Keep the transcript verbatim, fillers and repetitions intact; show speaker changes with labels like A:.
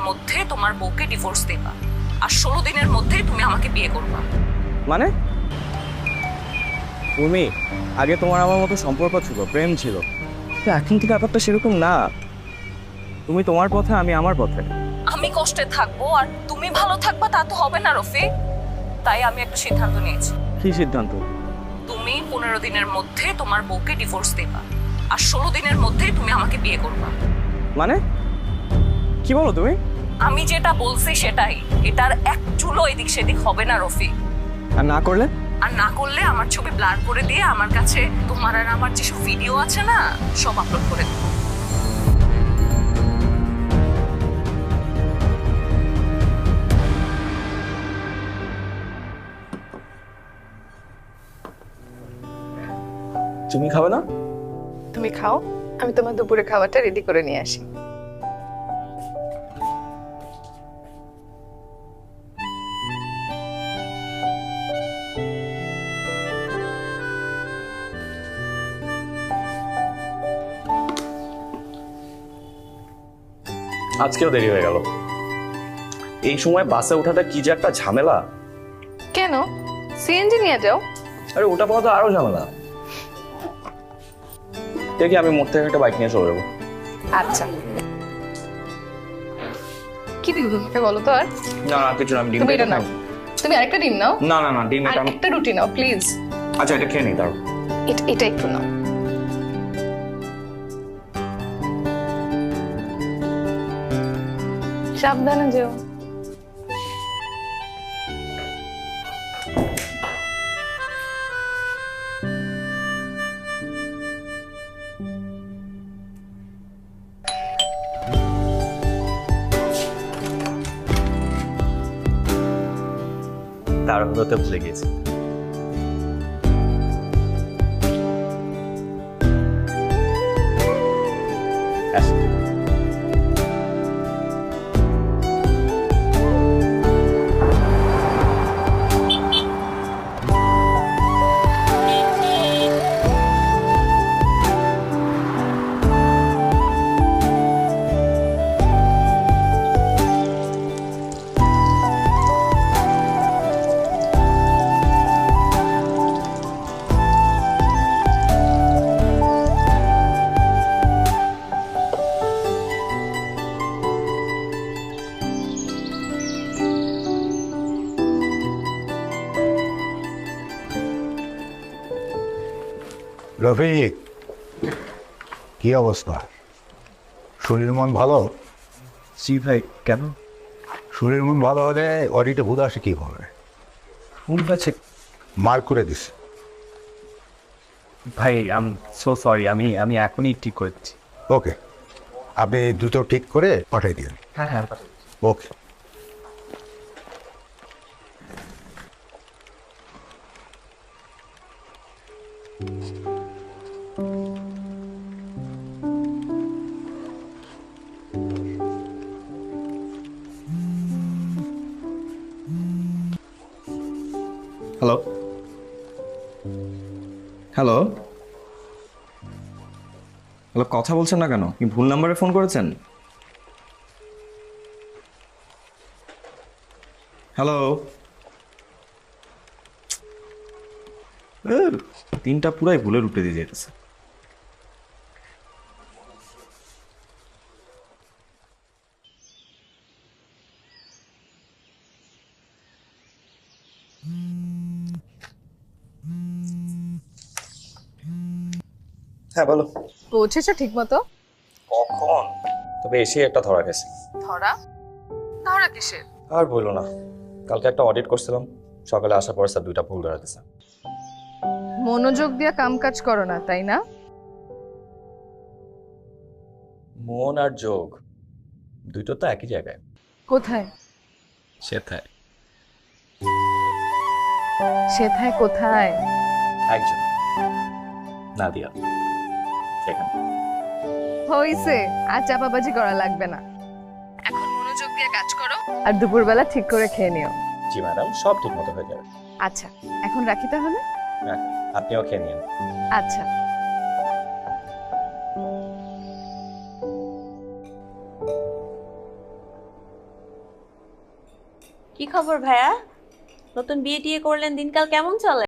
A: মধ্যে তোমার বউকে ডিভোর্স দেবা, আর ষোলো দিনের মধ্যে তুমি আমাকে বিয়ে করবা।
B: মানে তুমি আগে তোমার আমার মতো সম্পর্ক ছিল, প্রেম ছিল, তো এখন থেকে ব্যাপারটা সেরকম না। তুমি তোমার পথে, আমি আমার পথে।
A: আমি কষ্টে থাকবো আর তুমি ভালো থাকবা তা তো হবে না রফিক। তাই আমি একটা সিদ্ধান্ত নিয়েছি।
B: কি সিদ্ধান্ত?
A: তুমি পনেরো দিনের মধ্যে তোমার বউকে ডিভোর্স দেবা, আর ষোলো দিনের মধ্যে তুমি আমাকে বিয়ে করবা।
B: মানে কি বলো তুমি?
A: আমি যেটা বলছি সেটাই, এটার এক চুলো এদিক সেদিক হবে না রফিক।
B: আর না করলে?
A: আর না করলে আমার ছবি ব্লার করে দিয়ে আমার কাছে তোমার আর আমার যেসব ভিডিও আছে না সব আপলোড করে দেবো।
B: তুমি খাবে না?
C: তুমি খাও, আমি তোমার দুপুরে খাবারটা রেডি করে নিয়ে আসি।
D: আজকেও দেরি হয়ে গেল। এই সময় বাসে ওঠাটা কি যে একটা ঝামেলা।
C: কেন? সিএনজি নিয়ে যাও।
D: আরে ওটা পাওয়া তো আরো ঝামেলা। দেখি আমি মোড় থেকে একটা বাইক নিয়ে চলে যাবো।
C: আচ্ছা, কি দিব তোমাকে বলো তো? আর
D: না না কিছু না, আমি ডিম
C: তুমি এটা নাও, তুমি আরেকটা ডিম নাও।
D: না না না ডিম
C: আর
D: এটা আমি-
C: একটা রুটি নাও প্লিজ।
D: আচ্ছা এটা খেয়ে নিই তার।
C: এটা এটা একটু নাও। সাবধানে যেও।
D: তাড়াহুড়োতে ভুলে গেছি। আসি।
E: রফিক, কি অবস্থা? শরীর মন ভালো?
B: জি ভাই। কেন?
E: শরীর মন ভালো হলে অডিটে ভূত আসে কীভাবে?
B: ভুল আছে
E: মার্ক করে দিস।
B: ভাই। আম সো সরি, আমি আমি এখনই ঠিক করে দিচ্ছি।
E: ওকে, আপনি দ্রুত ঠিক করে পাঠিয়ে দিন।
B: হ্যাঁ হ্যাঁ।
E: ওকে।
B: হ্যালো হ্যালো হ্যালো, কথা বলছেন না কেন? কি ভুল নাম্বারে ফোন করেছেন? হ্যালো, তিনটা পুরাই ভুলে উঠে দিয়ে যেতেছে। হ্যাঁ বলো।
C: পৌঁছেছো ঠিক মতো?
D: কখন? তবে এসে একটা ধরা গেছে।
C: ধরা? ধরা কিসের?
D: আর বললো না, কালকে একটা অডিট করছিলাম, সকালে আসার পর স্যার দুইটা ভুল ধরা দিয়েছে।
C: মনোযোগ দিয়ে কাম কাজ করো না, তাই না?
D: মন আর যোগ দুটো তো একই জায়গায়।
C: কোথায়?
D: সেথায়।
C: সেথায় কোথায়?
D: একজন নাদিয়া সেখানে।
C: হইছে, আর চাপাবাজি করা লাগবে না। এখন মনোযোগ দিয়ে কাজ করো আর দুপুরবেলা ঠিক করে খেয়ে নিও।
D: জি ম্যাডাম, সব ঠিক মতো হয়ে যাবে।
C: আচ্ছা, এখন রাখি তাহলে।
D: রাখুন, আপনিও খেয়ে নিন।
C: আচ্ছা।
F: কি খবর ভাইয়া? নতুন বিয়ে টিয়ে করলেন, দিনকাল কেমন চলে?